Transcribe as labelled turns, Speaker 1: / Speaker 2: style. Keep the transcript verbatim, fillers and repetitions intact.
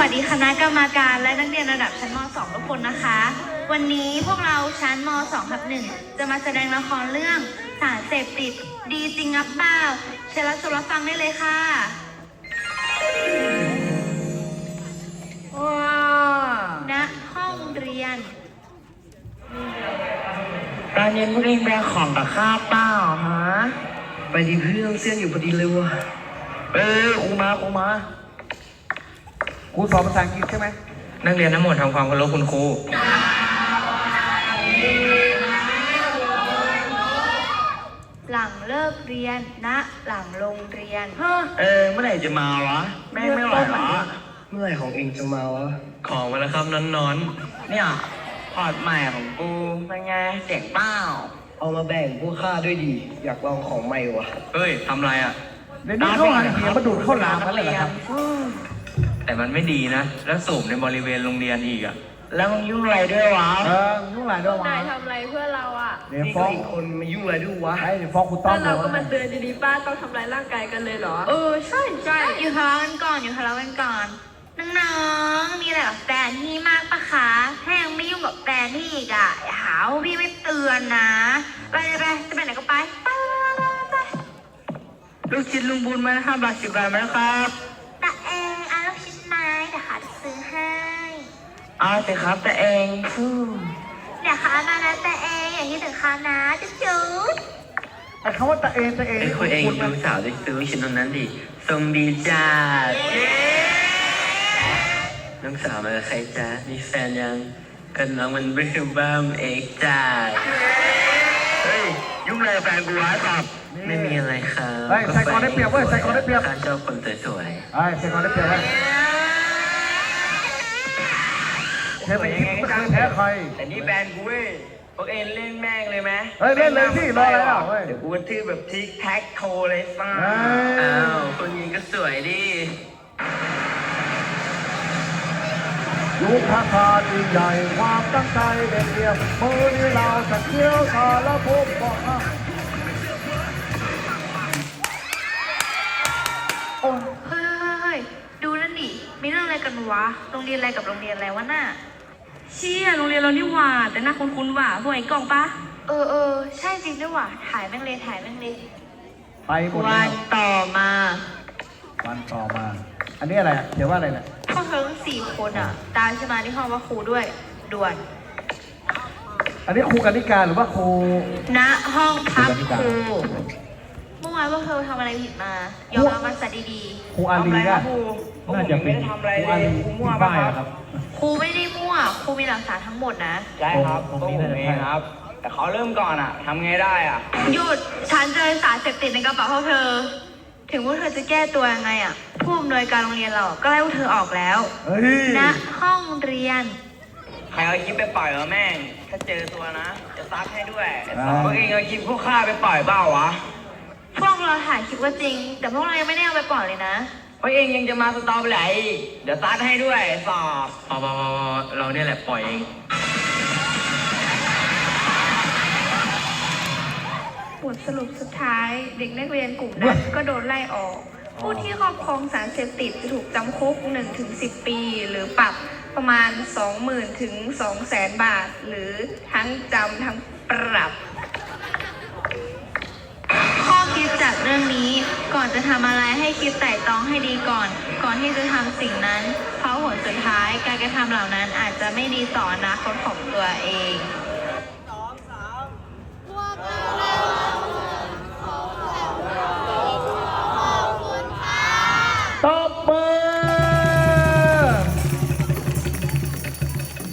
Speaker 1: วัสดีคณะกรรมการและนักเรียนระดับชั้นม สอง ทุกคนนะคะ วันนี้พวกเราชั้นม สอง ทับ หนึ่งจะมาแสดงละครเรื่องสารเสพติดดีจริงอับเปล่าเชิญรับชมรับฟังได้เลยค่ะ
Speaker 2: ว้า
Speaker 1: ณห้องเรียน
Speaker 2: ตอนเย็นพวกเองแบกของกับข้าวเปล่าฮะ
Speaker 3: ไปดีเพื่อนเส้นอยู่พอดีเลยว่ะ
Speaker 2: เออครูมาครูมา
Speaker 3: ครูสอนภาษาอังกฤษใช่ไหม
Speaker 2: นักเรียนทั้งหมดทำความเคารพคุณครู
Speaker 1: หลังเลิกเรียนณหลังโรงเรียน
Speaker 2: เออเมื่อไหร่จะมาวะแม่ไม่ไหวหรอ
Speaker 3: เมื่อไหร่ของเองจะมาวะ
Speaker 2: ของมาแล้วครับนอนนอนเนี่ยพอร์ตใหม่ของกูเป็นไงเสียงเปล่า
Speaker 3: เอามาแบ่งพวกข้าด้วยดีอยากลองของใหม่วะ
Speaker 2: เฮ้ยทำไรอ่ะ
Speaker 3: เดี๋ยวนี้เข้าหาเสียมาดูดเข้าหลามกันเลยครับ
Speaker 2: แต่มันไม่ดีนะแล้วสูบในบริเวณโรงเรียนอีกอ่ะแล้วมึงยุ่งอะไรด้วยวะ
Speaker 3: เออยุ่งอะไรด้วยวะ
Speaker 4: นายทำอะไรเพื่อเราอ่ะ
Speaker 3: เดี๋ยวฟ้องคนมายุ่งอะไรด้วยวะไอ้เดี๋ยวฟ้องคุณต้อม
Speaker 4: เราก็มาเตือนดีๆป้าต้องทำลายร่างกายกันเลยเหรอเออใช่ใช่
Speaker 1: อยู่ทะเลาะกันก่อนอยู่ทะเลาะกันก่อนน้องๆมีอะไรกับแฟนพี่มากปะคะถ้ายังไม่ยุ่งกับแฟนพี่อีกอ่ะอย่าหาว่าพี่ไม่เตือนนะไปเลยไปจะไปไหนก็ไปไปไป
Speaker 2: ลูกชิ้นลุงบุญมาห้าบาทสิบบาทไหมครับ
Speaker 1: แต่เองเอาลูกชิ้นไม้เดี๋ยวค่ะจะซื้อให้
Speaker 2: เอาสิครับแต่เอง
Speaker 1: เดี๋ยวค่ะมานะแต่เองอย่างที่ถึงค่ะนะจุ๊บจุ๊บ
Speaker 3: ไอ้คำว่าแต่เองแต่เอง
Speaker 2: ไอ้คนเองดูสาวได้ซื้อชิ้นตรงนั้นดิทรงดีจ้าน้องสาวมากับใครจ้ามีแฟนยังกันน้องมันเบิ่มบ้ามเอกจ้าเฮ้ยยุ่งอะไรแฟนกูวะครับไม่มีอะไรครับ
Speaker 3: ไอ้ใส่กอนได้เปรียบเว้ยใส่กอนได้เปรียบ
Speaker 2: ข้าชอบคนสวย
Speaker 3: ๆไอ้ใส่กอนได้เปรียบเว้ยเธอไปยังไงก็จะแพ้ใคร
Speaker 2: แต่นี่แฟนกูเว้ยพวกเอ็นเล่นแม่งเลยไหม
Speaker 3: เฮ้ยเล่นเลยพี่รออะไรอ่ะเว้ย
Speaker 2: เดี๋ยวกูทื่อแบบทิกแท็กโทเลยฟ้าอ้าวคนยิงก็สวยดิ
Speaker 3: ยุคคาคาดีใหญ่ความตั้งใจเด็ดเดี่ยวมือนี้เราจะเที่ยวสารภพบอกนะ
Speaker 1: โอ้เฮ้ยเฮ้ยดูนั่นดิมีเรื่องอะไรกันวะโรงเรียนอะไรกับโรงเรียนอะไรวะน่ะ
Speaker 4: เชี่ยโรงเรียนเรานี่หว่าแต่หน้าคุ้นๆว่ะพวกไอ้กล่องปะ
Speaker 1: เออเออใช่จริงด้วยว่ะถ่ายแม่งเลยถ่ายแม่งเลย
Speaker 3: ไปหมด
Speaker 1: วันต่อมา
Speaker 3: วันต่อมาอันนี้อะไรเดี๋ยวว่าอะไรเนี่ย
Speaker 1: พวกเธอทั้งสี่คนอ่ะตามฉันมาที่ห้องว่าครูด้วยด่วน
Speaker 3: อันนี้ครูกนิการหรือว่าครู
Speaker 1: ณห้องพักครูเมื่อวานพวกเธอทำอะไรผิดมายอมรับมาซะดี
Speaker 3: ๆครูอาลีนะน่าจะเป็นครูอาลีครูมั่วป่ะครับ
Speaker 1: ครูไม่ได้มั่วครูมีหลักฐานทั้งหมดนะ
Speaker 2: ใช่ครับตรงนี้เองครับแต่เขาเริ่มก่อนอ่ะทำไงได้อ่ะ
Speaker 1: หยุดฉันเจอสารเสพติดในกระเป๋าพวกเธอถึงว่าเธอจะแก้ตัวยังไงอ่ะผู้อำนวยการโรงเรียนเราก็ไล่พวกเธอออกแล้วณห้องเรียน
Speaker 2: ใครเอาคลิปไปปล่อยวะแม่งถ้าเจอตัวนะจะซัดให้ด้วยพวกเองเอาคลิปพวกข้าไปปล่อยเปล่าวะ
Speaker 1: พวกเราถ่ายคลิปก็จริงแต่พวกเรายังไม่ได้เอาไปปล่อยเลยนะ
Speaker 2: พวกเองยังจะมาสตอไปไหนเดี๋ยวซัดให้ด้วยสอบพอพอพอเราเนี่ยแหละปล่อยเอง
Speaker 4: บทสรุปสุดท้ายเด็กนักเรียนกลุ่มนั้นก็โดนไล่ออกผู้ที่ครอบครองสารเสพติดจะถูกจำคุก หนึ่งถึงสิบ ปีหรือปรับประมาณ สองหมื่น ถึง สองแสน บาทหรือทั้งจำทั้งปรับ
Speaker 1: ข้อคิดจากเรื่องนี้ก่อนจะทำอะไรให้คิดไตร่ตรองให้ดีก่อนก่อนที่จะทำสิ่งนั้นเพราะผลสุดท้ายการกระทำเหล่านั้นอาจจะไม่ดีต่ออนาคตของตัวเอง